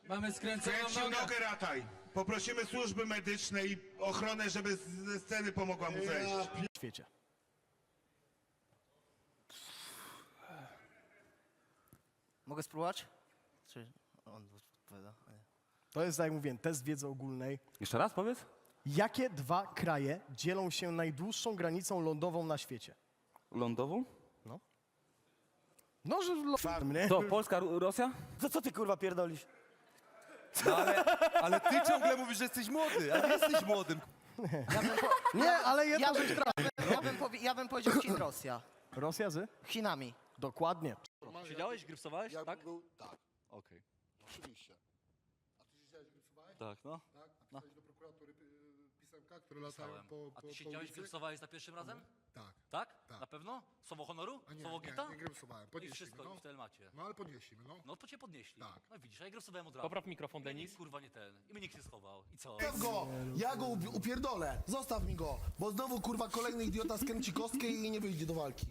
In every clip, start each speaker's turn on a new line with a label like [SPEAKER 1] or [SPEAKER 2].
[SPEAKER 1] Mamy skręconą
[SPEAKER 2] Kręcił
[SPEAKER 1] nogę.
[SPEAKER 2] nogę, Rataj. Poprosimy służby medyczne i ochronę, żeby ze sceny pomogła mu zejść.
[SPEAKER 3] W świecie.
[SPEAKER 4] Mogę spróbować? Czy on odpowiada? Nie.
[SPEAKER 3] To jest, tak jak mówiłem, test wiedzy ogólnej.
[SPEAKER 5] Jeszcze raz powiedz.
[SPEAKER 3] Jakie dwa kraje dzielą się najdłuższą granicą lądową na świecie?
[SPEAKER 5] Lądową?
[SPEAKER 3] No, że lądową, nie?
[SPEAKER 5] To Polska, Rosja?
[SPEAKER 4] To co ty kurwa pierdolisz?
[SPEAKER 6] No ale ty ciągle mówisz, że jesteś młody, a nie jesteś młodym.
[SPEAKER 3] Nie, ale jedno rzecz
[SPEAKER 4] Ja bym powiedział Chin, Rosja.
[SPEAKER 3] Rosja z?
[SPEAKER 4] Chinami.
[SPEAKER 3] Dokładnie.
[SPEAKER 5] Siedziałeś, grypsowałeś?
[SPEAKER 7] Jakbym
[SPEAKER 5] Tak?
[SPEAKER 7] był, tak,
[SPEAKER 5] Okej.
[SPEAKER 7] oczywiście. A ty siedziałeś, grypsowałeś?
[SPEAKER 5] Tak, no.
[SPEAKER 7] Tak? A pisałeś do prokuratury pisemka, które latają po
[SPEAKER 8] A ty siedziałeś,
[SPEAKER 7] ulicy?
[SPEAKER 8] grypsowałeś za pierwszym razem?
[SPEAKER 7] Tak.
[SPEAKER 8] Tak?
[SPEAKER 7] Tak.
[SPEAKER 8] Na pewno? Słowo honoru?
[SPEAKER 7] A nie,
[SPEAKER 8] Słowo gita?
[SPEAKER 7] nie grypsowałem.
[SPEAKER 8] I
[SPEAKER 7] Podnieśli
[SPEAKER 8] wszystko,
[SPEAKER 7] mnie,
[SPEAKER 8] i w telemacie.
[SPEAKER 7] No ale podnieśli mnie, no.
[SPEAKER 8] No to cię podnieśli.
[SPEAKER 7] Tak.
[SPEAKER 8] No widzisz, a ja grysowałem od razu.
[SPEAKER 5] Popraw mikrofon,
[SPEAKER 8] I mnie
[SPEAKER 5] Denis.
[SPEAKER 8] nikt, kurwa nie ten. I mnie nikt nie schował. I co?
[SPEAKER 9] Zostaw go! Ja go upierdolę! Zostaw mi go! Bo znowu kurwa kolejny idiota skręci kostkę i nie wyjdzie do walki.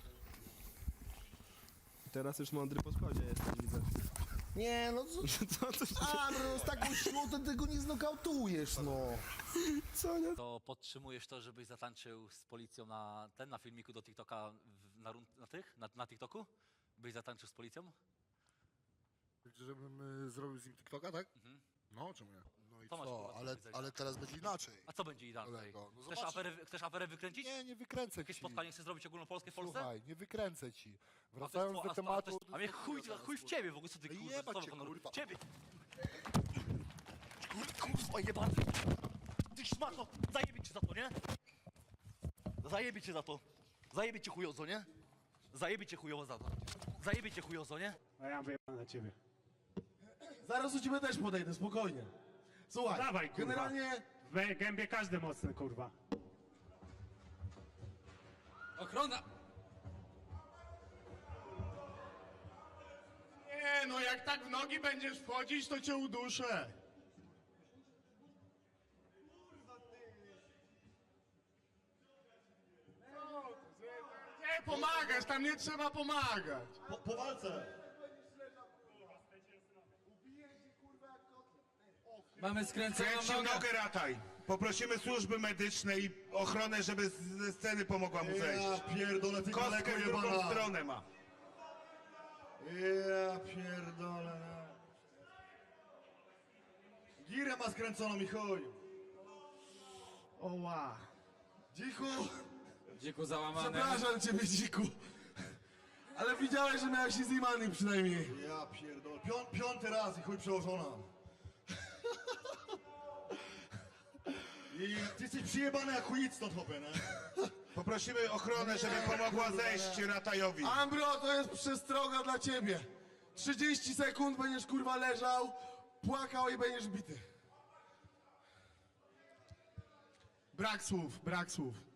[SPEAKER 6] Teraz już mądry po schodzie jesteś, widzę.
[SPEAKER 9] Nie no co? A no z taką siłą to tego nie znokautujesz, no.
[SPEAKER 6] Co nie?
[SPEAKER 8] To podtrzymujesz to, żebyś zatańczył z policją na filmiku do TikToka, na TikToku? Byś zatańczył z policją?
[SPEAKER 7] Żebym zrobił z nim TikToka, tak? No, czemu nie? No i
[SPEAKER 8] To masz,
[SPEAKER 7] co?
[SPEAKER 8] kurwa, do
[SPEAKER 7] Ale,
[SPEAKER 8] powiedzenia.
[SPEAKER 7] ale teraz będzie inaczej.
[SPEAKER 8] A co będzie inaczej?
[SPEAKER 7] Kolego, no
[SPEAKER 8] Chcesz,
[SPEAKER 7] zobacz-
[SPEAKER 8] chcesz aferę wykręcić?
[SPEAKER 7] Nie, nie wykręcę
[SPEAKER 8] Jakieś
[SPEAKER 7] ci.
[SPEAKER 8] spotkanie chcesz zrobić ogólnopolskie w Polsce?
[SPEAKER 7] Słuchaj, nie wykręcę ci.
[SPEAKER 8] A to jest
[SPEAKER 7] Wracając
[SPEAKER 8] two-
[SPEAKER 7] do
[SPEAKER 8] a-
[SPEAKER 7] tematu...
[SPEAKER 8] A mnie chuj w ciebie w ogóle, co ty
[SPEAKER 7] Ej,
[SPEAKER 8] kurwa,
[SPEAKER 7] jebać
[SPEAKER 8] słowo
[SPEAKER 7] cię,
[SPEAKER 8] honoru.
[SPEAKER 7] kurwa.
[SPEAKER 8] Ciebie! Kurwa jebany! Ty szmato! Zajebie cię za to, nie? Zajebie cię za to! Zajebie cię chujozo, nie? Zajebie cię chujowo za to. Zajebie cię chujozo, nie?
[SPEAKER 10] A ja mam wyjebane na ciebie.
[SPEAKER 9] Zaraz do ciebie też podejdę, spokojnie. Słuchaj,
[SPEAKER 10] Dawaj, kurwa.
[SPEAKER 9] generalnie...
[SPEAKER 10] W gębie każdy mocny, kurwa.
[SPEAKER 1] Ochrona!
[SPEAKER 2] Nie, no jak tak w nogi będziesz wchodzić, to cię uduszę. Nie pomagasz, tam nie trzeba pomagać.
[SPEAKER 9] Po walce!
[SPEAKER 1] Mamy skręconą
[SPEAKER 2] Kręcił
[SPEAKER 1] nogę.
[SPEAKER 2] nogę, Rataj. Poprosimy służby medyczne i ochronę, żeby ze sceny pomogła mu zejść.
[SPEAKER 9] Ja pierdolę, ty
[SPEAKER 2] Kostkę
[SPEAKER 9] kolego
[SPEAKER 2] w drugą
[SPEAKER 9] jebana!
[SPEAKER 2] stronę ma.
[SPEAKER 9] Ja pierdolę. Girę ma skręconą i chuj. Oła. Dziku,
[SPEAKER 1] Dziku załamany.
[SPEAKER 9] przepraszam ciebie, dziku. Ale widziałeś, że miałeś się z Imanem przynajmniej. Ja pierdolę. Piąty raz i chuj przełożona. I ty jesteś przyjebany jak chuj, stąd hopę, nie?
[SPEAKER 2] Poprosimy ochronę, żeby pomogła zejść Ratajowi.
[SPEAKER 9] Ambro, to jest przestroga dla ciebie. 30 sekund będziesz kurwa leżał, płakał i będziesz bity.
[SPEAKER 2] Brak słów, brak słów.